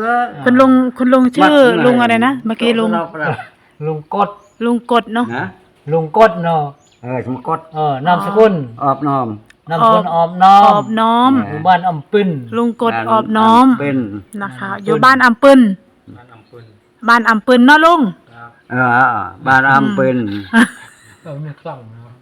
คุณลุงชื่อลุงอะไรนะเมื่อกี้ลุงกดลุงกดเนาะลุงกดเนาะลุงกดนามสกุลออบน้อมนามสกุลออบน้อมอยู่บ้านอำปึ้นลุงกดออบน้อมนะคะอยู่บ้านอำปึ้นบ้านอำปึ้นเนาะลุงบ้านอำปึ้นไม่คล่อง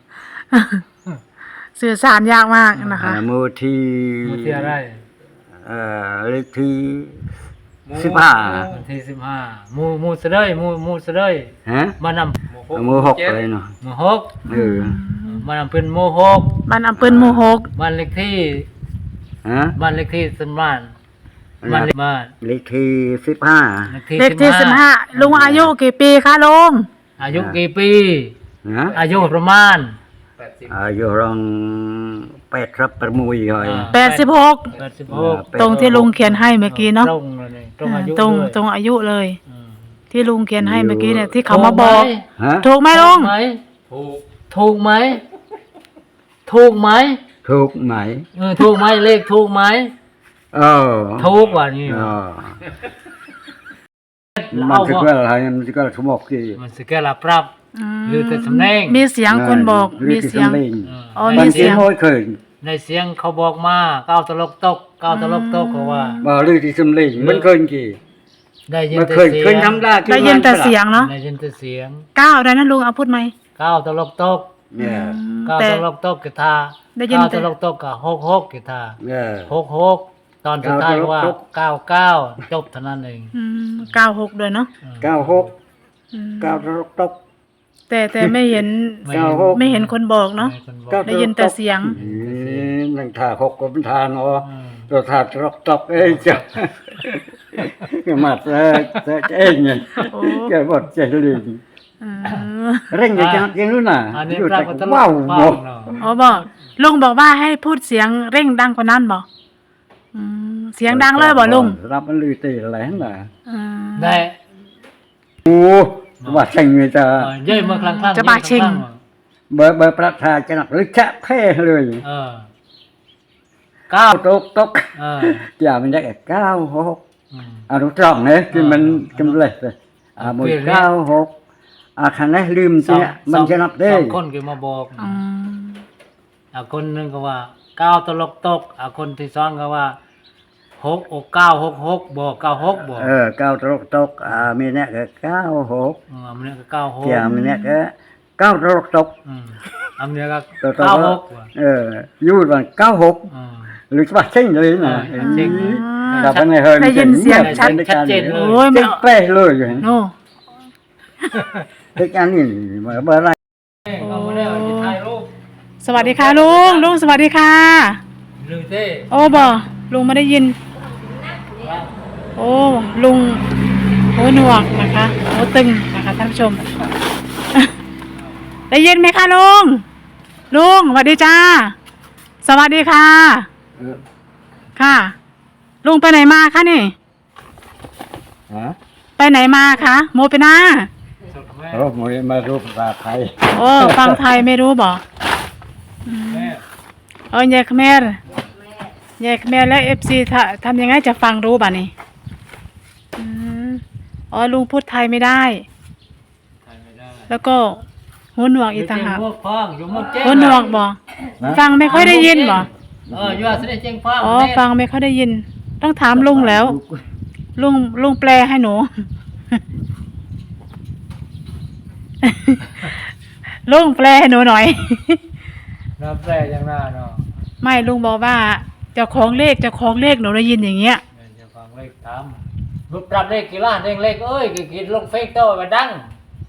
สื่อสารยากมากนะคะมูทีอะไรเลขที่15 ที่15มูเสด็จมูเสด็จบ้านอำมู6เลยเนาะมู6บ้านอำปึ้นมู6 บ้านอำปึ้นมู6 บ้านเลขที่บ้านเลขที่สมานบ้านเลขที่15 เลขที่15ลุงอายุกี่ปีคะลุงอายุกี่ปีอายุประมาณอายุรอง8ครับประมุยเลย 86ตรงที่ลุงเขียนให้เมื่อกี้เนาะตรงอายุเลยที่ลุงเขียนให้เมื่อกี้เนี่ยที่เขามาบอกถูกไหมลุงถูกไหมถูกไหมถูกไหมถูกไหมเลขถูกไหมถูกว่านี่มันคืออะไรมันคืออะไรสมองกี่มันคืออะไรปรับหรือแต่สำเนียงมีเสียงคนบอกมีเสียงมีเสียงในเสียงเขาบอกมาก้าวตลกตกเขาว่าบ่หรือที่สำเนียงมันเคยกี่ได้ยินแต่เสียงเคยทำได้ได้ยินแต่เสียงเนาะได้ยินแต่เสียงก้าวได้นะลุงเอาพูดไหมก้าวตลกตกก้าวตลกตกกีตาร์ก้าวตลกตกกับ6กีตาร์6ตอนสุดท้ายว่า99จบเท่านั้นเอง 96ด้วยเนาะ 96ตกแต่ไม่เห็นคนบอกเนาะได้ยินแต่เสียงนั่งท่า6ก็เป็นท่าเนาะตัวท่าตกจ้ะมาเองไงแกบอกใจเลยเร่งอย่างนู้นน่ะว้าวบอกลุงบอกว่าให้พูดเสียงเร่งดังกว่านั้นบอกเสียงดังเลยบอกลุงรับมันลือตีอะไรนั่นน่ะได้โอ้ว่าเชิงเลยจ้ะเย่เมื่อครั้งจะบาเชิงเบอร์ประธานจะหนักหรือจะแพ้เลย 9 ตกอย่ามันได้แค่96รู้ตรงเนี่ยคือมันกำเลยหมด96คันนี้ลืมสิเนี่ยมันจะนับได้ 2คนก็มาบอกคนนึงก็ว่า9ตลกตกคนที่2ก็ว่า966บอก96บอก 9ตลกตกมีเนี่ยก็96 มีเนี่ยก็96 อย่ามีเนี่ยก็9ตลกตกอันนี้ก็ 96อยู่ว่า96หรือว่าเช่นเลยนะแต่เป็นไงเฮ้ยได้ยินเสียงชัดเจนเลยโอ้ยไม่เป๊ะเลยโน่เป็นการนี่มาเบอร์อะไรสวัสดีค่ะลุงสวัสดีค่ะโอ้บ่ลุงไม่ได้ยินโอ้ลุงโอ้หนวกนะคะโอ้ตึงนะคะท่านผู้ชมได้ยินไหมคะลุงสวัสดีจ้าสวัสดีค่ะค่ะลุงไปไหนมาคะนี่ไปไหนมาคะโมไปนาโมมารู้ภาษาไทยโอ้ฟังไทยไม่รู้บ่ยายขแมรแล้วFCทำยังไงจะฟังรู้บ่ะนี่ลุงพูดไทยไม่ได้แล้วก็หูหนวกอีกต่างหากหูหนวกบ่ฟังไม่ค่อยได้ยินบ่ฟังไม่ค่อยได้ยินต้องถามลุงแล้วลุงแปลให้หนูลุงแปลให้หนูหน่อยแปลอย่างหน้าเนาะไม่ลุงบอกว่าเจ้าของเลขหนูได้ยินอย่างเงี้ยเจ้าของเลขถามรูปปรับเลขกี่ล้านเลขเอ้ยกินลงเฟซโต้ไปดัง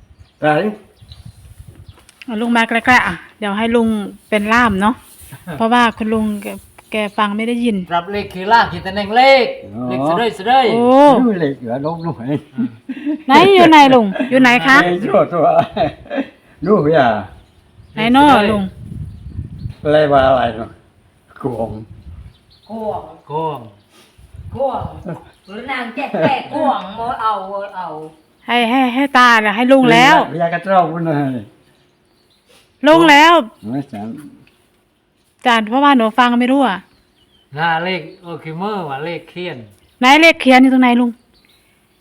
ลุงมาใกล้ๆเดี๋ยวให้ลุงเป็นล่ามเนาะเพราะว่าคุณลุงแกฟังไม่ได้ยินปรับเลขกี่ล้านกี่ตำแหน่งเลขเสด็จโอ้เลขเหลือลงหน่อยไหนอยู่ไหนลุงอยู่ไหนคะตัวดูอย่าไหนน้อลุงอะไรว่าอะไรเนาะกวงหรือนางแจ๊กแก่กวงโมเอาให้ตาเนี่ยให้ลุงแล้วอยากกระเจ้าพุ่นเลยลุงแล้วจานเพราะว่าหนูฟังไม่รู้หน้าเลขโอเคเมื่อว่าเลขเขียนไหนเลขเขียนอยู่ตรงไหนลุง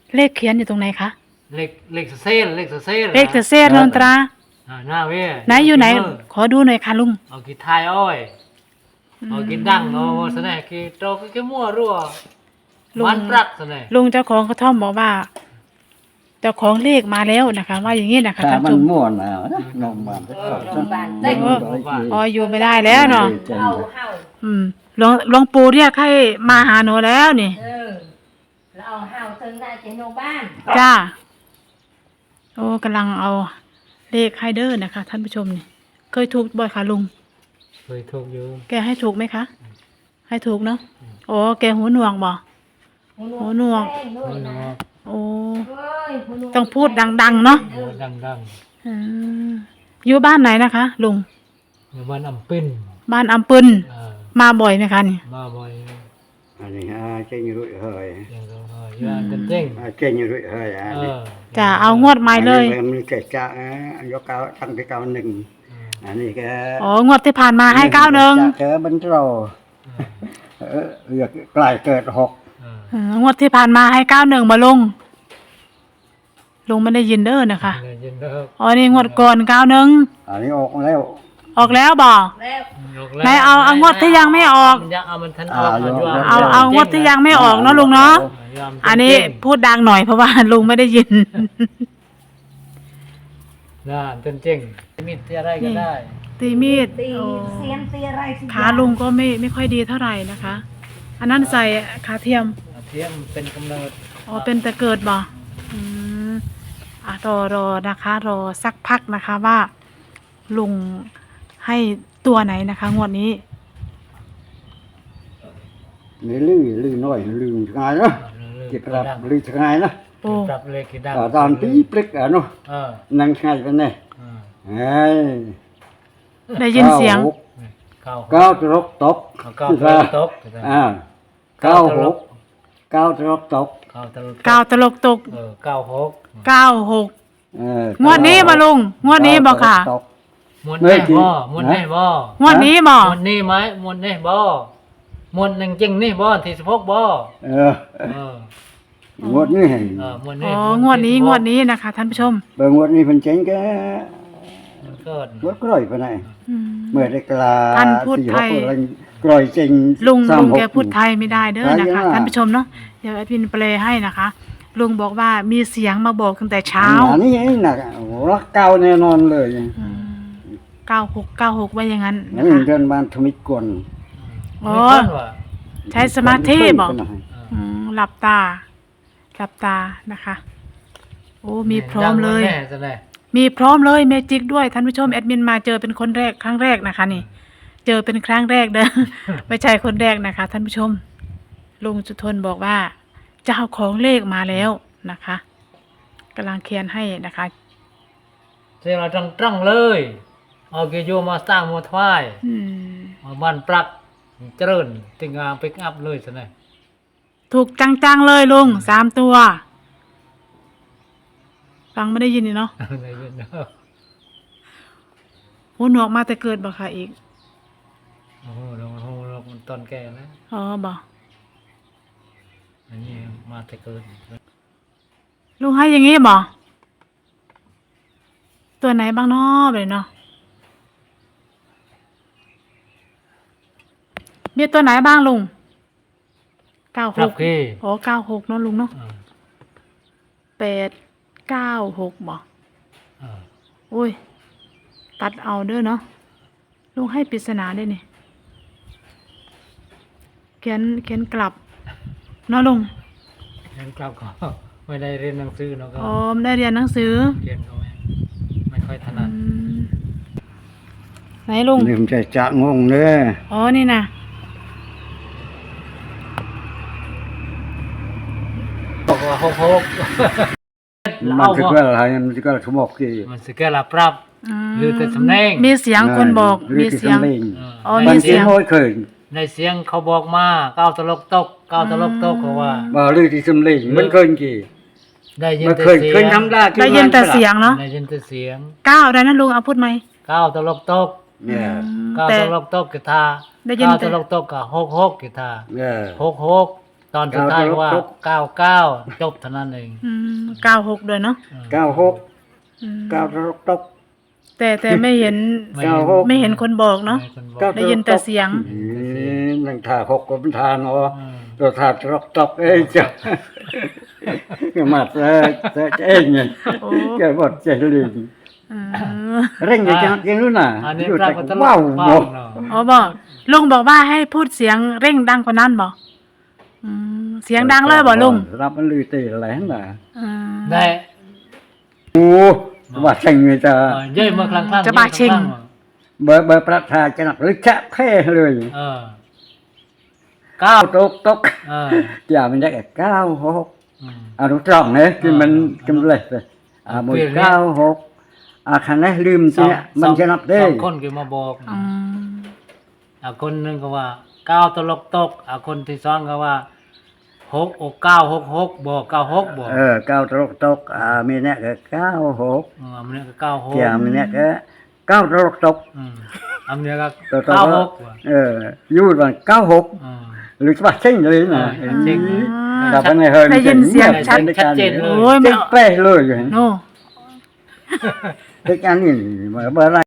เลขเขียนอยู่ตรงไหนคะเลขเซลเลขเซลเลขเศษนนตราหน้าเว้ยไหนอยู่ไหน ขอดูหน่อยค่ะลุงเอากี่ทายอ้อยเอากี่ดังเอาซะแน่กี่โตกี่มั่วรั่วมันปรักซะแน่ลุงเจ้าของกระท่อมบอกว่า เจ้าของเลขมาแล้วนะคะ ว่าอย่างนี้นะคะถ้าท่านมัผู้นชมม่วนแล้วนะนมบ้านโรงพยาบาลเต็มอ๋ออยู่ไม่ได้แล้วเนาะเฮาหลวงปู่เรียกให้มาหาหนูแล้วนี่แล้วเอาเฮาถึงได้ที่โรงพยาบาลจ้า โอ้กำลังเอาเลขให้เด้อนะคะ ท่านผู้ชมนี่ เคยถูกบ่อยค่ะลุงเคยถูกอยู่แกให้ถูกไหมคะ ให้ถูกเนาะโอ้แกหูหนวกบ่หูหนวก โอ้ต้องพูดดังๆเนาะดังอืมอยู่บ้านไหนนะคะลุงๆอยู่บ้านอำปิ้นบ้านอำปึนมาบ่อยไหมคะนี่มาบ่อยอันนี้เก่งรุ่ยเฮยอย่างเราอยู่อันเต็งเก่งรุ่ยเฮยอันนี้จะเอางวดใหม่เลยมันเกิดจากยกเก้าตั้งที่เก้าหนึ่งอันนี้ก็อ๋องวดที่ผ่านมาให้91 เจอบรรโรเลือกกลายเกิดหกงวดที่ผ่านมาให้91มาลงไม่ได้ยินเด้อนะคะยินเด้ออ๋อนี่งวดก่อน91 อันนี้ออกแล้วออกแล้วบ่แล้วไหนเอางวดที่ยังไม่ออกเอามันทันออกเอางวดที่ยังไม่ออกเนาะลุงเนาะอันนี้พูดดังหน่อยเพราะว่าลุงไม่ได้ยินน่าเจ๋งมีอะไรก็ได้ตีมีดตีโอ้เสียมตีอะไรสิขาลุงก็ไม่ค่อยดีเท่าไหร่นะคะ อันนั้นใส่ขาเทียมเทียมเป็นกำเนิดอ๋อเป็นแต่เกิดบ่อืมรอนะคะ รอสักพักนะคะว่า ลุงให้ตัวไหนนะคะ งวดนี้นี่ลื่นน้อยลื่นง่ายเนาะเก็บรับลื่นง่ายนะโอ้ปรับเลยกี่ดังตอนปีปลิกเนาะ นั่งง่ายกันแน่เฮ้ยได้ยินเสียงเก้าตรกตกเก้าตกเก้าหกเก้าตรกตกก้าวตลกตก 96 96งวดนี้มาลุงงวดนี้บ่ค่ะมวนแน่บ่มวนแน่บ่งวดนี้บ่มวนนี่ไหมมวนแน่บ่มวนจริงนี่บ่ที่16บ่งวดนี้มวนอ๋นี่องวดนี้นะคะ ท่านผู้ชมเบิ่งงวดนี้เพิ่นเจ๋งแกเกิดงวดกร้อยปานไหนอืมเมื่อได้กลาท่านพูดไทยกร้อยเจ๋งลุงแกพูดไทยไม่ได้เด้อนะคะ ท่านผู้ชมเนาะเดี๋ยวแอดมินแปลให้นะคะ ลุงบอกว่ามีเสียงมาบอกตั้งแต่เช้าอันนี้น่ะรักเก่าแน่นอนเลย 96ว่าอย่างนั้นนั่นะนคะเดินบ้านทมิตกวนอ๋อใช้สมาธิบ่หลับตานะคะ โอ้มีพร้อมเลย มีพร้อมเลยเมจิกด้วยท่านผู้ชมแอดมินมาเจอเป็นคนแรกครั้งแรกนะคะนี่ เจอเป็นครั้งแรกเด้อ ไม่ใช่คนแรกนะคะ ท่านผู้ชมลุงจุทนบอกว่าเจ้าของเลขมาแล้วนะคะกำลังเขียนให้นะคะเสียงเราจังเลยเอาเกโยมาสร้างมาถวายอืมเอาบ้านปรักเจริญติงามไปอัพเลยซะหน่อยถูกจังๆเลยลุง3 ตัวฟังไม่ได้ยินนี่เนาะได้ยินเด้อหูหนวกมาแต่เกิดบ่ค่ะอีกโอ้โหเรามันตอนแก่นะอ๋อบ่อันนี้มาแต่เกินลุงให้อย่างงี้บ่ตัวไหนบ้างเนาะเลยเนาะมีตัวไหนบ้างลุงครับ 96 พี่อ๋อ96เนาะลุงเนาะ896บ่โอ้ยตัดเอาเด้อเนาะลุงให้ปริศนาได้นี่เขียนกลับเนาะลุงเรียนกลับก็ไม่ได้เรียนหนังสือเนาะก็อ๋อไม่ได้เรียนหนังสือเรียนก็ไม่ค่อยถนัดไหนลุงนี่ผมจะจะงงเด้ออ๋อนี่นะบอกว่าหกมันคืออะไรมันคือสมองที่มันสิแก่ละปรับหรือแต่สำเนียงมีเสียงคนบอกมีเสียง อ๋อมีมันเสีเสียยงงน้อยเคยในเสียงเขาบอกมาก้าวตลกตกเขาว่าบ่ลือที่สำลีมันเคยกี่ได้ยินมันแต่เคยเสีเคยยงทำได้ได้ยินแต่เสียงเนาะได้ยินแต่เสียงก้าวได้นะลุงเอาพูดไหมก้าวตลกตกเนี่ยก้าวแต่ตลกตกกีตาร์ได้ยินก้าวแต่ตลกตกกับหกกีตาร์เนี่ยหกตอนสุดท้ายว่า99จบเท่านั้นเอง 96ด้วยเนาะ 96 อืม 9ตลกตกแต่ไม่เห็น 96 ไม่เห็นคนบอกเนาะไม่คนบอกได้ยินแต่เสียงนั่งท่าหกก็เป็นทานเนาะอืมตัวท่าตลกตกเอ้ยจ้ะก็มาเอ้ยเนี่ยโอ้แกบดใจลิงเออเร่งอย่างยังรู้น่ะอันนี้อยู่ปราแต่กฏตลว้าวกบ่เนาะอ๋อบอกลุงบอกว่าให้พูดเสียงเร่งดังกว่านั้นบอกเสียงดังเลยบอกลุงรับมันลือตีอะไรหั่นน่ะได้โอ้ว่าเชิงเลยจ้ะเย้ยมาครั้งจะบาดเชิงเบอร์ประธานจะหนักหรือแค่แพ้เลยเออ9 ตกเอออย่ามันได้แค่96 อืมรู้ตรองเนี่ยคือมันกำเลยหมด96คันนี้ลืมสิเนี่ยมันจะนับได้สองคนก็มาบอกคนหนึงก็ว่า9ตลกตกคนที่สองก็ว่า6อก966บอก96บอก 9ตกมีเนี่ยก็96 อันนี้ก็96 เกี่ยมีเนี่ยก็9ตกอันนี้ก็ 96 96 อยู่วัน96หรือว่าเช่นเลยนะเช่นแต่เป็นไงเฮิร์นได้ยินเสียงชัดชัดเจนเลยโอ้ยไม่เจ๊เอาเป้เลยโน่เด็กอันนี้เบอร์อะไร